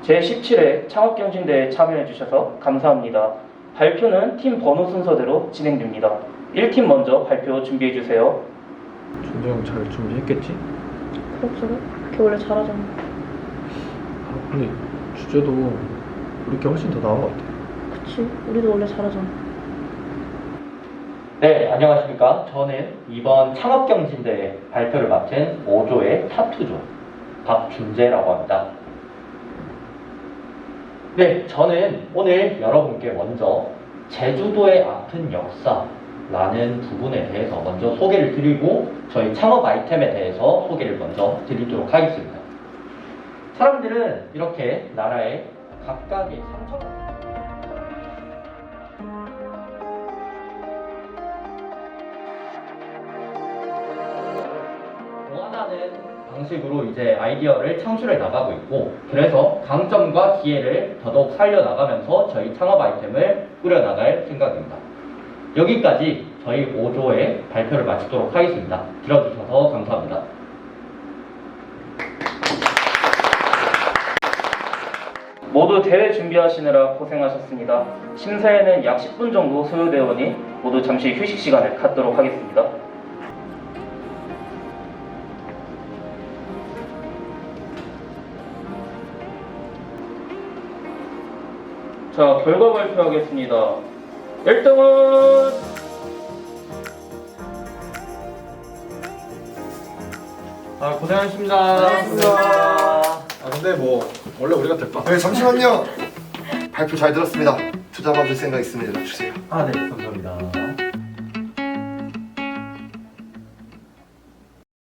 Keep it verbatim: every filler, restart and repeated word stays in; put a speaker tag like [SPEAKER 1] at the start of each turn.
[SPEAKER 1] 제십칠 회 창업경진대회에 참여해주셔서 감사합니다. 발표는 팀 번호 순서대로 진행됩니다. 일 팀 먼저 발표 준비해주세요.
[SPEAKER 2] 준도 형 잘 준비했겠지?
[SPEAKER 3] 그럭저럭? 걔 원래 잘하잖아.
[SPEAKER 2] 아, 근데 주제도 우리 게 훨씬 더 나은 것 같아.
[SPEAKER 3] 그치? 우리도 원래 잘하잖아.
[SPEAKER 4] 네, 안녕하십니까. 저는 이번 창업경진대회 발표를 맡은 오 조의 타투조 박준재라고 합니다. 네, 저는 오늘 여러분께 먼저 제주도의 아픈 역사라는 부분에 대해서 먼저 소개를 드리고 저희 창업 아이템에 대해서 소개를 먼저 드리도록 하겠습니다. 사람들은 이렇게 나라의 각각의 상처 원하는 방식으로 이제 아이디어를 창출해 나가고 있고, 그래서 강점과 기회를 더더욱 살려나가면서 저희 창업 아이템을 꾸려나갈 생각입니다. 여기까지 저희 오 조의 발표를 마치도록 하겠습니다. 들어주셔서 감사합니다.
[SPEAKER 1] 모두 대회 준비하시느라 고생하셨습니다. 심사에는 약 십 분 정도 소요되어 오니 모두 잠시 휴식 시간을 갖도록 하겠습니다. 자, 결과 발표하겠습니다. 일 등은
[SPEAKER 2] 아, 고생하셨습니다. 아, 근데 뭐 원래 우리가 될까?
[SPEAKER 5] 네, 잠시만요. 발표 잘 들었습니다. 투자 받을 생각 있으면 연락 주세요.
[SPEAKER 4] 아, 네, 감사합니다.